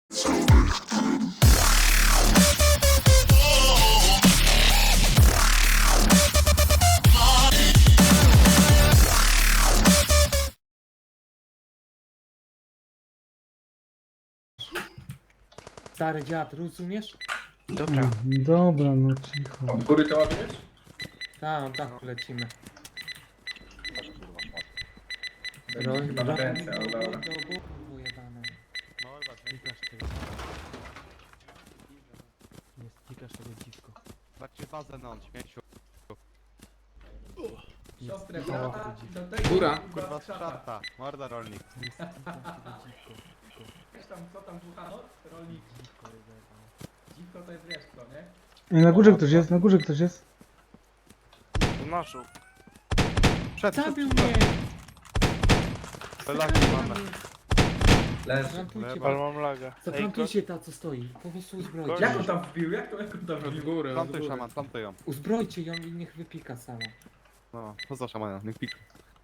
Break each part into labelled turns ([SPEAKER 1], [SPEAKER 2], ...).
[SPEAKER 1] Stary dziad, rozumiesz?
[SPEAKER 2] Dobra.
[SPEAKER 3] Dobra, no cicho.
[SPEAKER 4] Od góry to ładujesz?
[SPEAKER 1] Tak, tak, lecimy.
[SPEAKER 4] Chyba na ręce, ale dobra.
[SPEAKER 1] Pojebane.
[SPEAKER 2] Jest klikasz tego dziwko. Patrzcie bazę na on, śmieciu.
[SPEAKER 4] Siostrę
[SPEAKER 2] O,
[SPEAKER 4] brata
[SPEAKER 2] to
[SPEAKER 4] i do tego
[SPEAKER 5] Góra.
[SPEAKER 2] Kurwa
[SPEAKER 4] szata.
[SPEAKER 2] szarta, morda rolnik.
[SPEAKER 4] Wiesz tam, co tam słuchano? Rolnik. Dziwko to jest wiesz co, nie?
[SPEAKER 3] Ej, na górze ktoś jest, na górze ktoś jest.
[SPEAKER 2] Naszu. Przed,
[SPEAKER 1] Zabił mnie!
[SPEAKER 2] Lagi mamy.
[SPEAKER 4] Leży.
[SPEAKER 1] Zaplantujcie,
[SPEAKER 2] Ale mam laga.
[SPEAKER 1] zaplantujcie ta, co stoi. Po prostu uzbrojcie.
[SPEAKER 4] Jak on tam wbił? Jak on tam
[SPEAKER 5] Od
[SPEAKER 4] wbił?
[SPEAKER 5] góry, od
[SPEAKER 2] Plantuj
[SPEAKER 5] góry.
[SPEAKER 2] szaman, plantuj ją.
[SPEAKER 1] Uzbrojcie ją i niech wypika sama.
[SPEAKER 2] No, co za szamana, niech pik.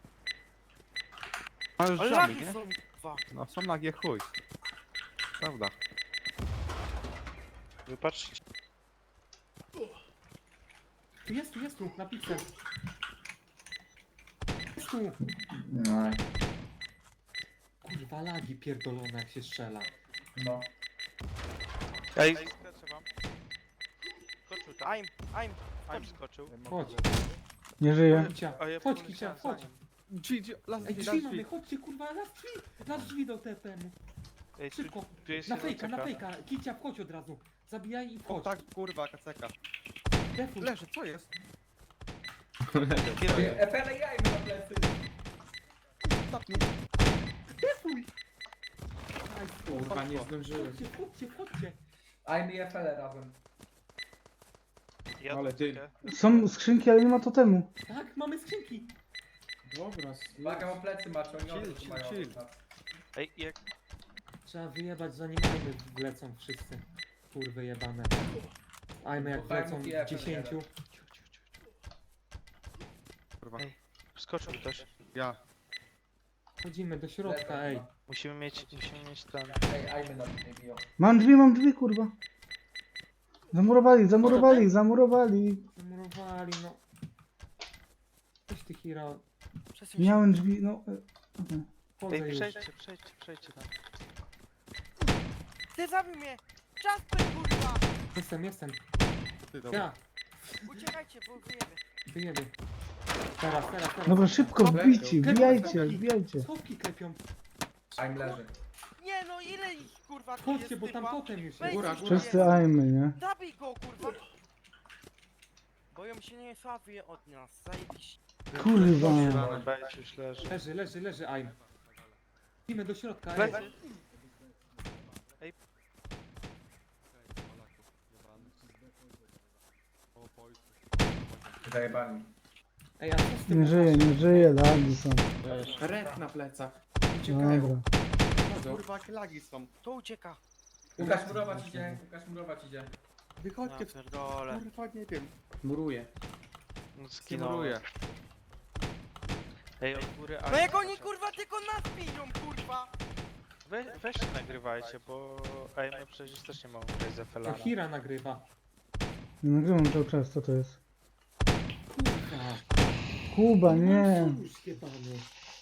[SPEAKER 2] Ale już żamy, nie? No są nagie chuj. Prawda.
[SPEAKER 6] Wypatrzcie.
[SPEAKER 1] Jest tu, na piksel. Jest tu.
[SPEAKER 4] No.
[SPEAKER 1] Kurwa, lagi pierdolone jak się strzela.
[SPEAKER 4] No.
[SPEAKER 6] Ej, skoczył tam. I'm skoczył.
[SPEAKER 1] Chodź,
[SPEAKER 3] Nie żyje.
[SPEAKER 1] Kicia,
[SPEAKER 6] A ja
[SPEAKER 1] chodź
[SPEAKER 6] poleciałem
[SPEAKER 1] Kicia,
[SPEAKER 6] za
[SPEAKER 1] chodź.
[SPEAKER 6] nim.
[SPEAKER 2] Drzwi, las
[SPEAKER 1] Ej,
[SPEAKER 2] drzwi,
[SPEAKER 1] drzwi
[SPEAKER 2] las
[SPEAKER 1] mamy,
[SPEAKER 2] drzwi.
[SPEAKER 1] chodźcie kurwa, na drzwi do TPM-u.
[SPEAKER 6] Ej, tu,
[SPEAKER 1] Szybko,
[SPEAKER 6] tu jest
[SPEAKER 1] na
[SPEAKER 6] jeden
[SPEAKER 1] fejka,
[SPEAKER 6] czeka.
[SPEAKER 1] Kicia, wchodź od razu. Zabijaj i
[SPEAKER 2] O
[SPEAKER 1] wchodź.
[SPEAKER 2] tak, kurwa, kaceka.
[SPEAKER 1] Defuj,
[SPEAKER 2] Leży, co jest?
[SPEAKER 6] Kiedy-
[SPEAKER 4] Efele jajmy na plecy.
[SPEAKER 2] Ostatni.
[SPEAKER 1] defuj. Aj,
[SPEAKER 5] Kurwa, nie zdążyłem.
[SPEAKER 1] Chodźcie.
[SPEAKER 4] Ajmy i Efele razem.
[SPEAKER 6] Ja
[SPEAKER 5] Ale ty-
[SPEAKER 6] dotykę.
[SPEAKER 3] Są skrzynki, ale nie ma totemu.
[SPEAKER 1] Tak, mamy skrzynki.
[SPEAKER 5] Dobra,
[SPEAKER 4] Uwaga, bo plecy macie, oni
[SPEAKER 2] Chill,
[SPEAKER 4] od
[SPEAKER 2] chill,
[SPEAKER 4] mają.
[SPEAKER 2] chill.
[SPEAKER 6] Ej, jak...
[SPEAKER 1] Trzeba wyjebać zanim ajmy wlecą wszyscy. Kurwy jebane. Ajmy jak wlecą
[SPEAKER 4] Fajmów i Apple
[SPEAKER 1] 10.
[SPEAKER 4] jeden.
[SPEAKER 2] Kurwa.
[SPEAKER 6] Ej. Skoczył też.
[SPEAKER 2] Ja.
[SPEAKER 1] Chodzimy do środka, ej.
[SPEAKER 6] Musimy mieć ten...
[SPEAKER 4] Ej, ajmy na mnie biją.
[SPEAKER 3] Mam drzwi, kurwa. Zamurowali.
[SPEAKER 1] Zamurowali, no. Coś ty hero.
[SPEAKER 3] Miałem drzwi, no.
[SPEAKER 1] Chodzę
[SPEAKER 6] Ej,
[SPEAKER 1] już.
[SPEAKER 6] przejdźcie tam.
[SPEAKER 7] Ty zabił mnie! Jasper, kurwa!
[SPEAKER 1] Jestem.
[SPEAKER 2] Ty, dobra.
[SPEAKER 1] Ja,
[SPEAKER 7] Uciekajcie, bo wyjemy.
[SPEAKER 1] wyjemy. Teraz.
[SPEAKER 3] Dobra, szybko wbijcie, wbijajcie.
[SPEAKER 1] Schowki klepią.
[SPEAKER 4] Ajm leży.
[SPEAKER 7] Nie no, ile ich kurwa tu
[SPEAKER 1] Chodźcie,
[SPEAKER 7] jest
[SPEAKER 1] bo tam
[SPEAKER 7] typa?
[SPEAKER 1] potem już
[SPEAKER 7] Wejdź
[SPEAKER 1] jest.
[SPEAKER 5] Góra,
[SPEAKER 7] coś
[SPEAKER 5] góra.
[SPEAKER 7] tu
[SPEAKER 3] Wszyscy
[SPEAKER 7] jest.
[SPEAKER 3] ajmy, nie?
[SPEAKER 7] Zabij go, kurwa! Boją się nie sławie od nas, zajebiście.
[SPEAKER 3] Kurwa.
[SPEAKER 6] Wejdź, już leży.
[SPEAKER 1] Leży, ajm. Idziemy do środka, ej.
[SPEAKER 6] Leży.
[SPEAKER 4] Zajebani.
[SPEAKER 1] Ej, a co z tym?
[SPEAKER 3] Nie żyje, lagi są.
[SPEAKER 5] Red na plecach. Uciekają.
[SPEAKER 3] Dobra.
[SPEAKER 5] Chodzą.
[SPEAKER 2] Kurwa, jakie lagi są.
[SPEAKER 7] To ucieka.
[SPEAKER 4] Łukasz murować idzie.
[SPEAKER 2] Wychodźcie
[SPEAKER 6] Ja
[SPEAKER 2] w...
[SPEAKER 6] pierdolę.
[SPEAKER 2] Kurwa, nie wiem.
[SPEAKER 5] Muruje.
[SPEAKER 6] No
[SPEAKER 2] Skimuruję.
[SPEAKER 6] Ej, od góry...
[SPEAKER 7] No jak oni kurwa tylko nas biją, kurwa!
[SPEAKER 6] Weźcie nagrywajcie, bo... Ej, my przecież też nie mamy grać za
[SPEAKER 1] To
[SPEAKER 6] Felana.
[SPEAKER 1] Hira nagrywa.
[SPEAKER 3] Nagrywam cały czas, co to jest?
[SPEAKER 1] Kurwa.
[SPEAKER 3] Kuba, nie.
[SPEAKER 1] No, już jebany.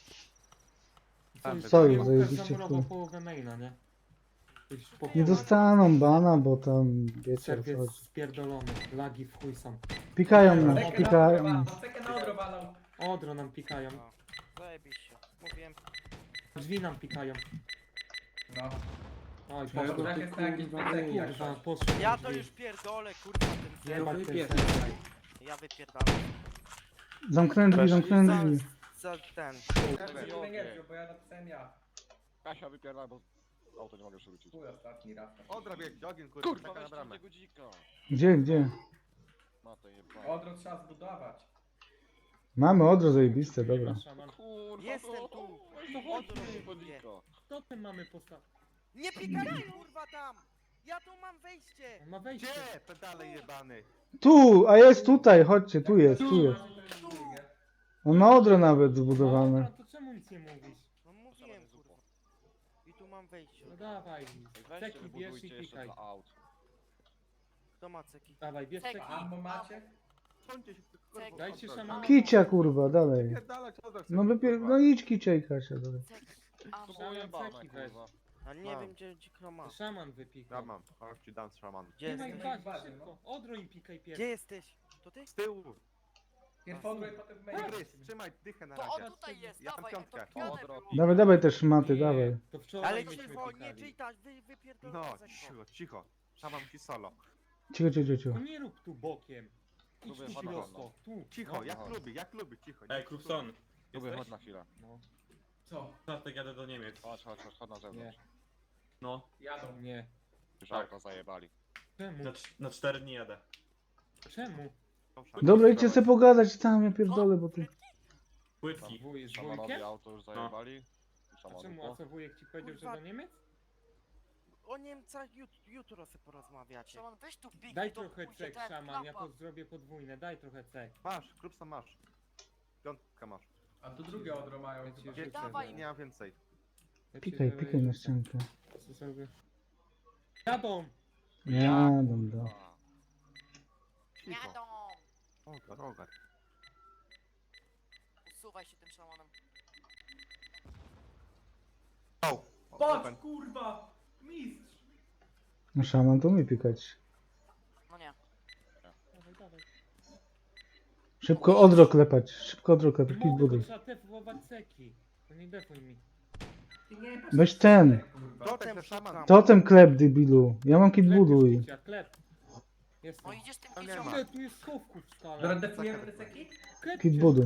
[SPEAKER 3] Co
[SPEAKER 1] nie
[SPEAKER 3] już,
[SPEAKER 1] Łukasz
[SPEAKER 3] zajebiście
[SPEAKER 1] zamurował
[SPEAKER 3] chuj.
[SPEAKER 1] połowę maina, nie? Już po
[SPEAKER 3] Nie dostaną bana, bo tam wiecie o co
[SPEAKER 1] Serwiec
[SPEAKER 3] chodzi.
[SPEAKER 1] spierdolony. Lagi w chuj są.
[SPEAKER 3] Pikają nas,
[SPEAKER 4] Cekę na
[SPEAKER 3] pikają.
[SPEAKER 4] odro, cekę na odro walą.
[SPEAKER 1] Odro nam pikają.
[SPEAKER 7] Zajebiście. Mówiłem.
[SPEAKER 1] Drzwi nam pikają.
[SPEAKER 4] No.
[SPEAKER 1] Oj,
[SPEAKER 5] Czego
[SPEAKER 1] poszło.
[SPEAKER 4] Tak jest na jakieś
[SPEAKER 5] kurwa,
[SPEAKER 4] pleceki jak
[SPEAKER 1] Kurwa,
[SPEAKER 4] coś.
[SPEAKER 1] poszło.
[SPEAKER 7] Ja
[SPEAKER 1] drzwi.
[SPEAKER 7] to już pierdolę, kurwa, ten ser.
[SPEAKER 1] Jebać ten
[SPEAKER 5] wypierdol.
[SPEAKER 1] serwer.
[SPEAKER 7] Ja wypierdalam.
[SPEAKER 3] Zamknąłem drzwi, zamknąłem drzwi.
[SPEAKER 7] Za ten.
[SPEAKER 4] Bo ja napisałem ja.
[SPEAKER 8] Kasia wypierdala, bo auto nie mogę przewrócić.
[SPEAKER 4] Chuj, ostatni raz.
[SPEAKER 2] Odrabię ogień, kurwa,
[SPEAKER 8] Kurwa,
[SPEAKER 2] czeka na
[SPEAKER 8] weźcie
[SPEAKER 2] bramę.
[SPEAKER 8] tego dzika.
[SPEAKER 3] Gdzie?
[SPEAKER 8] Ma to jebane.
[SPEAKER 4] Odro trzeba zbudować.
[SPEAKER 3] Mamy odro zajebiste, dobra.
[SPEAKER 1] Szaman.
[SPEAKER 8] Kurwa,
[SPEAKER 7] Jestem
[SPEAKER 8] no.
[SPEAKER 7] tu.
[SPEAKER 1] No chodź,
[SPEAKER 7] Odro
[SPEAKER 8] Po
[SPEAKER 7] mnie.
[SPEAKER 8] dzika.
[SPEAKER 1] co tym mamy postawić?
[SPEAKER 7] Nie pikajcie, kurwa, tam! Ja tu mam wejście!
[SPEAKER 1] On ma wejście.
[SPEAKER 2] Gdzie? Pedale jebany.
[SPEAKER 3] Tu, a jest tutaj, chodźcie, tu jest. On ma odro nawet
[SPEAKER 1] No,
[SPEAKER 3] zbudowane.
[SPEAKER 1] to czemu nic nie mówisz?
[SPEAKER 7] No mówiłem, kurwa. I tu mam wejść.
[SPEAKER 1] No dawaj,
[SPEAKER 8] Weźcie,
[SPEAKER 1] ceki bierz i
[SPEAKER 8] wybudujcie jeszcze
[SPEAKER 1] pikaj.
[SPEAKER 8] dla aut.
[SPEAKER 7] Kto ma ceki?
[SPEAKER 1] Dawaj, bierz
[SPEAKER 9] Ceki.
[SPEAKER 1] ceki.
[SPEAKER 4] Ammo macie?
[SPEAKER 2] Końcie się tylko
[SPEAKER 9] Cek.
[SPEAKER 1] Dajcie
[SPEAKER 2] odwróć.
[SPEAKER 1] szamana.
[SPEAKER 3] Kicia kurwa, dalej.
[SPEAKER 2] Pierdalać, odwróć
[SPEAKER 3] No
[SPEAKER 2] sobie,
[SPEAKER 3] wypier...
[SPEAKER 2] kurwa.
[SPEAKER 3] No idź kicia i Kasia dalej.
[SPEAKER 9] Cek.
[SPEAKER 8] To
[SPEAKER 9] Amo.
[SPEAKER 8] było
[SPEAKER 1] Szaman
[SPEAKER 8] jebane,
[SPEAKER 1] ceki weź.
[SPEAKER 8] kurwa.
[SPEAKER 7] A nie
[SPEAKER 2] Mam.
[SPEAKER 7] wiem gdzie kto ma.
[SPEAKER 1] Szaman wypikał.
[SPEAKER 2] Ja mam, chodź ci dam szaman.
[SPEAKER 7] Gdzie
[SPEAKER 1] Nie ma ich
[SPEAKER 7] jesteś?
[SPEAKER 1] bazie, szybko. Odro im pikaj
[SPEAKER 7] Gdzie
[SPEAKER 1] pierwszy.
[SPEAKER 7] jesteś? To ty?
[SPEAKER 2] Z tyłu!
[SPEAKER 4] Pierw odroj, potem w main.
[SPEAKER 2] Grys, trzymaj dychę na
[SPEAKER 9] To
[SPEAKER 2] razie.
[SPEAKER 9] on tutaj jest,
[SPEAKER 2] Ja mam
[SPEAKER 9] dawaj,
[SPEAKER 2] piątkę.
[SPEAKER 9] to pionę
[SPEAKER 8] Odro.
[SPEAKER 9] było.
[SPEAKER 3] Dawaj, dawaj te szmaty, dawaj.
[SPEAKER 1] To wczoraj
[SPEAKER 7] Ale
[SPEAKER 1] myśmy
[SPEAKER 7] cicho, nie
[SPEAKER 1] pikali.
[SPEAKER 7] czytać, wypierdolę
[SPEAKER 2] No,
[SPEAKER 7] Zeko.
[SPEAKER 2] cicho, cicho. Szaman ci solo.
[SPEAKER 3] Cicho, cicho, cicho.
[SPEAKER 1] No nie rób tu bokiem. Idź
[SPEAKER 8] Lubię
[SPEAKER 1] tu
[SPEAKER 8] chodź na
[SPEAKER 1] prosto.
[SPEAKER 8] wolno.
[SPEAKER 1] Tu.
[SPEAKER 2] Cicho,
[SPEAKER 1] No.
[SPEAKER 2] jak lubi, cicho.
[SPEAKER 10] Ej, Krupson,
[SPEAKER 8] Lubię, chodź na chwilę.
[SPEAKER 1] No.
[SPEAKER 4] Co?
[SPEAKER 10] czwartek jadę do Niemiec.
[SPEAKER 8] Chodź na
[SPEAKER 1] Nie.
[SPEAKER 8] zewnątrz.
[SPEAKER 10] No,
[SPEAKER 4] Jadą.
[SPEAKER 1] Nie.
[SPEAKER 8] Już
[SPEAKER 10] Tak.
[SPEAKER 8] auto zajebali.
[SPEAKER 1] Czemu?
[SPEAKER 10] na 4 dni jadę.
[SPEAKER 1] Czemu?
[SPEAKER 3] Dobra, idźcie sobie pogadać tam, ja pierdolę, bo ty...
[SPEAKER 10] Płytki.
[SPEAKER 1] Z
[SPEAKER 8] Szamanowi
[SPEAKER 1] wujkiem?
[SPEAKER 8] auto już zajebali.
[SPEAKER 1] A
[SPEAKER 8] Szamanowi
[SPEAKER 1] czemu? A co wujek ci powiedział, że
[SPEAKER 7] Kurwa.
[SPEAKER 1] do Niemiec?
[SPEAKER 7] O Niemcach jutro sobie porozmawiacie.
[SPEAKER 9] Szaman, weź tu pik.
[SPEAKER 1] Daj
[SPEAKER 9] to
[SPEAKER 1] trochę
[SPEAKER 9] pójdzie
[SPEAKER 1] cek,
[SPEAKER 9] ten,
[SPEAKER 1] szaman, ja
[SPEAKER 9] klapa.
[SPEAKER 1] zrobię podwójne, daj trochę cek.
[SPEAKER 2] Masz, Krupson masz. Piątkę masz.
[SPEAKER 4] A tu drugie odro mają
[SPEAKER 1] Ja ci
[SPEAKER 4] chyba.
[SPEAKER 1] rzucę,
[SPEAKER 9] Dawaj.
[SPEAKER 1] że-
[SPEAKER 2] Nie mam więcej.
[SPEAKER 1] ja ci
[SPEAKER 3] Pikaj,
[SPEAKER 1] zrobię-
[SPEAKER 3] pikaj na ściankę.
[SPEAKER 1] Co zrobię? Jadą!
[SPEAKER 3] Jadą, da.
[SPEAKER 2] Cicho.
[SPEAKER 9] Jadą.
[SPEAKER 2] Rogar.
[SPEAKER 9] Usuwaj się tym szamanem.
[SPEAKER 4] Patrz, kurwa! Mistrz!
[SPEAKER 3] No szaman to umie pikać.
[SPEAKER 9] No nie.
[SPEAKER 1] Dawaj, dawaj.
[SPEAKER 3] Szybko odro klepać, szybko odro klepać, kit
[SPEAKER 1] Mogę, bo
[SPEAKER 3] buduj.
[SPEAKER 1] trzeba defuować ceki. To nie defuj mi.
[SPEAKER 4] Ty nie
[SPEAKER 3] Weź ten.
[SPEAKER 4] kurwa.
[SPEAKER 2] Totem to szaman.
[SPEAKER 3] Totem klep, debilu. Ja mam kit
[SPEAKER 1] Klep
[SPEAKER 3] buduj.
[SPEAKER 1] już kicia, klep. Jestem.
[SPEAKER 9] No idziesz tym
[SPEAKER 2] To nie
[SPEAKER 9] kicią.
[SPEAKER 2] ma.
[SPEAKER 1] Ile tu jest schowków w
[SPEAKER 4] Dobra,
[SPEAKER 1] skale?
[SPEAKER 4] defujemy te ceki?
[SPEAKER 1] Klep
[SPEAKER 3] Kit
[SPEAKER 1] cię.
[SPEAKER 3] buduj.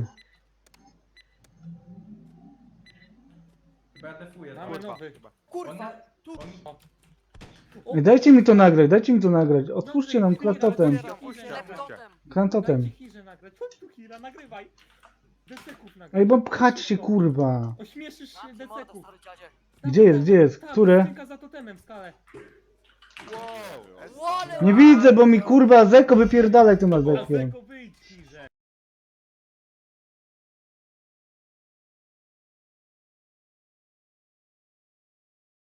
[SPEAKER 4] Chyba ja defuję.
[SPEAKER 1] Mamy
[SPEAKER 4] tak?
[SPEAKER 1] nowy.
[SPEAKER 7] Kurwa,
[SPEAKER 4] One-
[SPEAKER 7] tu!
[SPEAKER 4] on-
[SPEAKER 3] Ej, dajcie mi to nagrać, dajcie mi to nagrać. Otwórzcie nam klantotem.
[SPEAKER 7] Klantotem.
[SPEAKER 3] Klantotem.
[SPEAKER 1] Dajcie Hirze nagrać. Chodź tu Hira, nagrywaj. Deseków nagraj.
[SPEAKER 3] Ej, bo pchać się, kurwa.
[SPEAKER 1] Ośmieszysz się
[SPEAKER 9] Zamknij mordę,
[SPEAKER 1] deseków.
[SPEAKER 9] stary dziadzie.
[SPEAKER 3] Gdzie jest, gdzie jest?
[SPEAKER 1] Tam,
[SPEAKER 3] Które?
[SPEAKER 1] skrzynka za totemem w skale.
[SPEAKER 2] Wow!
[SPEAKER 9] Łale!
[SPEAKER 3] Nie widzę, bo mi kurwa Zeko wypierdalaj tym
[SPEAKER 1] A
[SPEAKER 3] Zekiem.
[SPEAKER 1] Zeko